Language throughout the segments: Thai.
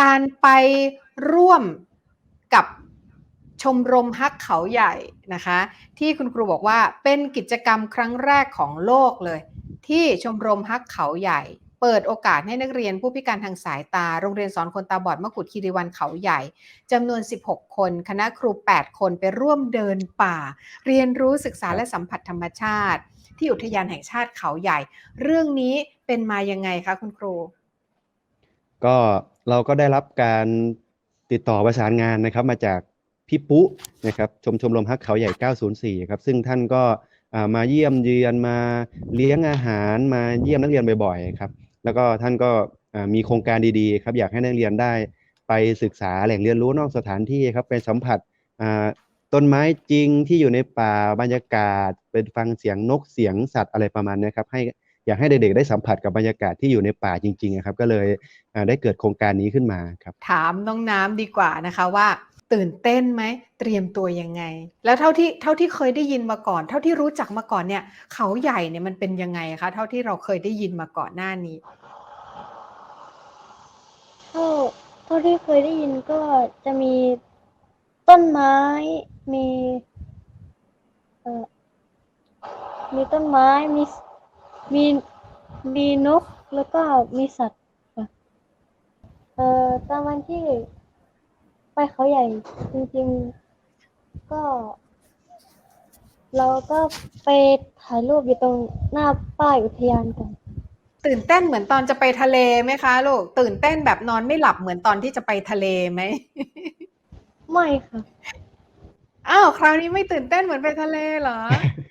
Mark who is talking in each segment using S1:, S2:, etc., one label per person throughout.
S1: การไปร่วมกับชมรมฮักเขาใหญ่นะคะที่คุณครูบอกว่าเป็นกิจกรรมครั้งแรกของโลกเลยที่ชมรมฮักเขาใหญ่เปิดโอกาสให้นักเรียนผู้พิการทางสายตาโรงเรียนสอนคนตาบอดมกุฎคีรีวรรณเขาใหญ่จำนวน16คนคณะครู8คนไปร่วมเดินป่าเรียนรู้ศึกษาและสัมผัสธรรมชาติที่อุทยานแห่งชาติเขาใหญ่เรื่องนี้เป็นมายังไงคะคุณครู
S2: ก็เราก็ได้รับการติดต่อประสานงานนะครับมาจากพี่ปุ๊นะครับชมรมฮักเขาใหญ่904ครับซึ่งท่านก็มาเยี่ยมเยือนมาเลี้ยงอาหารมาเยี่ยมนักเรียนบ่อยๆครับแล้วก็ท่านก็มีโครงการดีๆครับอยากให้นักเรียนได้ไปศึกษาแหล่งเรียนรู้นอกสถานที่ครับไปสัมผัสต้นไม้จริงที่อยู่ในป่าบรรยากาศเป็นฟังเสียงนกเสียงสัตว์อะไรประมาณนี้ครับอยากให้เด็กๆได้สัมผัสกับบรรยากาศที่อยู่ในป่าจริงๆครับก็เลยได้เกิดโครงการนี้ขึ้นมาครับ
S1: ถามน้องน้ำดีกว่านะคะว่าตื่นเต้นไหมเตรียมตัวยังไงแล้วเท่าที่เคยได้ยินมาก่อนเท่าที่รู้จักมาก่อนเนี่ยเขาใหญ่เนี่ยมันเป็นยังไงคะเท่าที่เราเคยได้ยินมาก่อนหน้านี้
S3: เท่าที่เคยได้ยินก็จะมีต้นไม้มีมีต้นไม้มีมีนกแล้วก็มีสัตว์ค่ะตอนวันที่ไปเขาใหญ่จริงๆก็เราก็ไปถ่ายรูปอยู่ตรงหน้าป้ายอุทยานกัน
S1: ตื่นเต้นเหมือนตอนจะไปทะเลไหมคะลูกตื่นเต้นแบบนอนไม่หลับเหมือนตอนที่จะไปทะเลไหม
S3: ไม่ค่ะ
S1: อ้าวคราวนี้ไม่ตื่นเต้นเหมือนไปทะเลเหรอ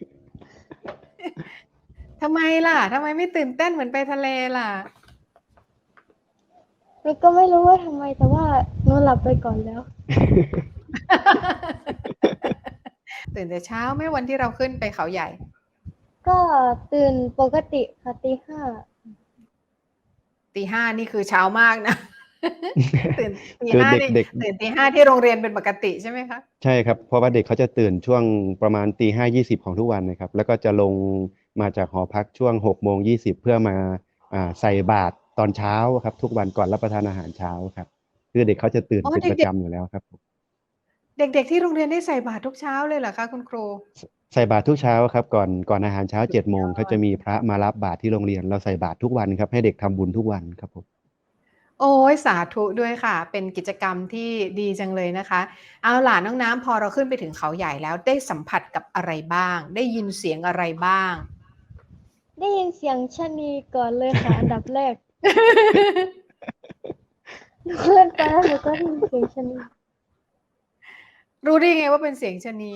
S1: ทำไมล่ะทำไมไม่ตื่นเต้นเหมือนไปทะเลล่ะ
S3: หนูก็ไม่รู้ว่าทำไมแต่ว่าหนูหลับไปก่อนแล้ว
S1: ตื่นแต่เช้าไหมวันที่เราขึ้นไปเขาใหญ่
S3: ก็ตื่นปกติค่ะตี 5
S1: ตี 5นี่คือเช้ามากนะตื่นตี
S2: คือ
S1: ห้า
S2: เ
S1: นี่
S2: ด็ก
S1: ตื่นตี 5ที่โรงเรียนเป็นปกติใช่ไหมคะ
S2: ๆใช่ครับเพราะว่าเด็กเขาจะตื่นช่วงประมาณตี 5:20ของทุกวันนะครับแล้วก็จะลงมาจากหอพักช่วง6:20เพื่อมาใส่บาตรตอนเช้าครับทุกวันก่อนรับประทานอาหารเช้าครับคือเด็กเขาจะตื่น
S1: อ๋อ
S2: เป็นประ
S1: เด็ก
S2: จำอยู่แล้วครับ
S1: ๆเด็กๆที่โรงเรียนได้ใส่บาตรทุกเช้าเลยเหรอคะคุณครู
S2: ใส่บาตรทุกเช้าครับก่อนอาหารเช้า
S1: สุด
S2: 7 โมง
S1: ยอด
S2: เขาจะมีพระมารับบาตรที่โรงเรียนเราใส่บาตรทุกวันครับให้เด็กทำบุญทุกวันครับผม
S1: โอ้ยสาธุด้วยค่ะเป็นกิจกรรมที่ดีจังเลยนะคะเอาล่ะน้องน้ำพอเราขึ้นไปถึงเขาใหญ่แล้วได้สัมผัสกับอะไรบ้างได้ยินเสียงอะไรบ้าง
S3: ได้ยินเสียงชะนีก่อนเลยค่ะ อันดับแรกหนูเล่นไปแล้วหนูก็ได้ยินเสียงชะนี
S1: รู้ได้ไงว่าเป็นเสียงชะนี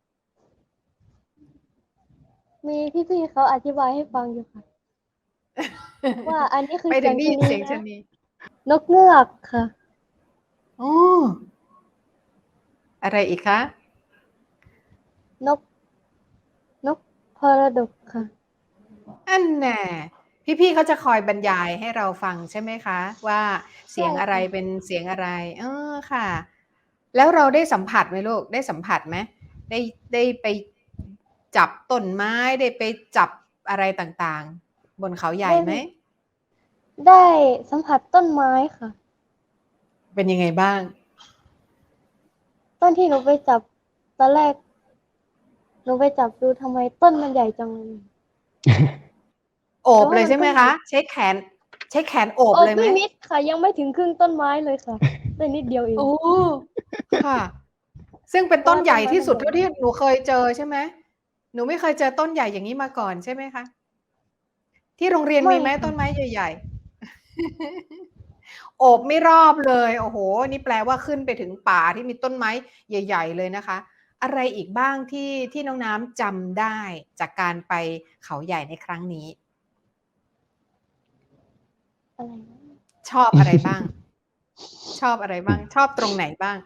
S3: มีพี่ๆเขาอธิบายให้ฟังอยู่ค่ะ ว่าอันนี้คือ
S1: ไปถึงได้ยินเสียงชะ
S3: นะ
S1: นี
S3: นกเงือกค่ะ
S1: โอ้อะไรอีกคะ
S3: นกพรดกค่ะ
S1: อันแน่พี่ๆเขาจะคอยบรรยายให้เราฟังใช่ไหมคะว่าเสียงอะไร
S3: ใช่ค่ะ
S1: เป็นเสียงอะไรค่ะ แล้วเราได้สัมผัสไหมลูกได้สัมผัสไหมได้ไปจับต้นไม้ได้ไปจับอะไรต่างๆบนเขาใหญ่
S3: ได้
S1: ไหม
S3: ได้สัมผัสต้นไม้ค่ะ
S1: เป็นยังไงบ้าง
S3: ต้นที่หนูไปจับตอนแรกหนูไปจับดูทำไมต้นมันใหญ่จังเลย
S1: โอบเลย
S3: แต่ว่ามันก็ใหญ่
S1: ใช่ไหมคะใช้แขนโอบ
S3: โอ้
S1: เลยไหม
S3: ไม่มิดค่ะ ยังไม่ถึงครึ่งต้นไม้เลยค่ะได้นิดเดียวเอง
S1: โอ้ค่ะ ซึ่งเป็นต้นใหญ่ที่สุดเท่าที่หนูเคยเจอใช่ไหมหนูไม่เคยเจอต้นใหญ่อย่างนี้มาก่อนใช่ไหมคะที่โรงเรียนมีไหมต้นไม้ใหญ่ๆโอบไม่รอบเลยโอ้โหนี่แปลว่าขึ้นไปถึงป่าที่มีต้นไม้ใหญ่ๆเลยนะคะอะไรอีกบ้างที่น้องน้ำจำได้จากการไปเขาใหญ่ในครั้งนี้
S3: อะไรนะ
S1: ชอบอะไรบ้าง ชอบอะไรบ้าง ชอบตรงไหนบ้าง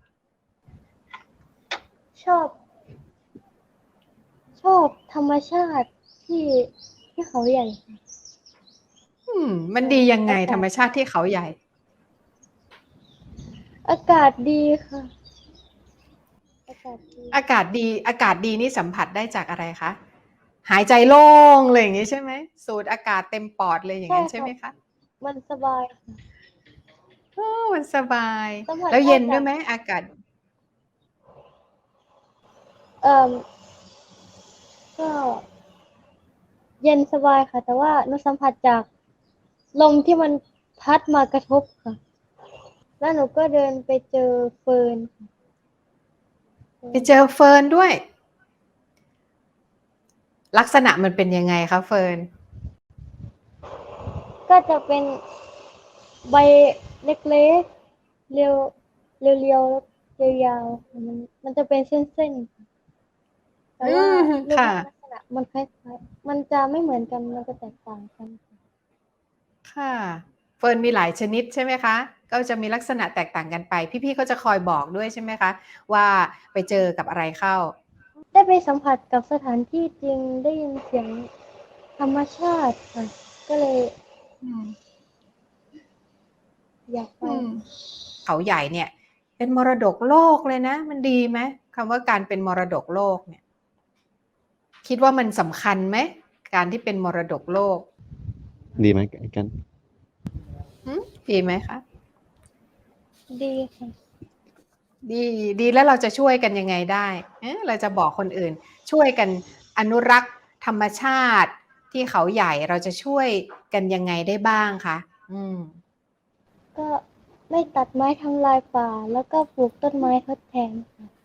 S3: ชอบธรรมชาติที่เขาใหญ่ค่ะ
S1: มันดียังไง
S3: อากาศ
S1: ธรรมชาติที่เขาใหญ่
S3: อากาศดีค่ะ อากาศดี
S1: อากาศดี อากาศดีนี่สัมผัสได้จากอะไรคะ หายใจโล่งเลยอย่างนี้ใช่ไหมสูดอากาศเต็มปอดเลยอย่างนั้นใช่ไหมคะ
S3: มันสบายค่ะ
S1: มันสบาย
S3: สัมผัส
S1: แล้วเย็น
S3: ได้จาก
S1: ด้วยไหมอากาศ
S3: เอ่อก็เย็นสบายค่ะ แต่ว่าหนูสัมผัสจากลมที่มันพัดมากระทบค่ะ แล้วหนูก็เดินไปเจอเฟิร์นค่ะ
S1: ไปเจอเฟิร์นด้วย ลักษณะมันเป็นยังไงคะเฟิร์น
S3: ก็จะเป็นใบเล็กๆเรียวเรียวๆแล้วยาวๆค่ะมันจะเป็นเส้นๆค่ะแต่ว่า
S1: อืม
S3: รูป
S1: ค่ะ
S3: ลักษณะมันคล้ายๆมันจะไม่เหมือนกันมันจะแตกต่างกันค่ะ
S1: ค่ะ เฟิร์นมีหลายชนิดใช่ไหมคะ ก็จะมีลักษณะแตกต่างกันไป พี่ๆเขาจะคอยบอกด้วยใช่ไหมคะ ว่าไปเจอกับอะไรเข้า
S3: ได้ไปสัมผัสกับสถานที่จริงได้ยินเสียงธรรมชาติค่ะ ก็เลย
S1: อืม
S3: อยากไป
S1: อืม เขาใหญ่เนี่ย เป็นมรดกโลกเลยนะ มันดีไหมคำว่าการเป็นมรดกโลกเนี่ย คิดว่ามันสำคัญไหมการที่เป็นมรดกโลก
S2: ดีไหมกัน
S1: ดีไหมคะ
S3: ดีค่ะ
S1: ดีแล้วเราจะช่วยกันยังไงได้เราจะบอกคนอื่น ช่วยกันอนุรักษ์ธรรมชาติที่เขาใหญ่เราจะช่วยกันยังไงได้บ้างคะ
S3: ก็ไม่ตัดไม้ทำลายป่า แล้วก็ปลูกต้นไม้ทดแทนค่ะ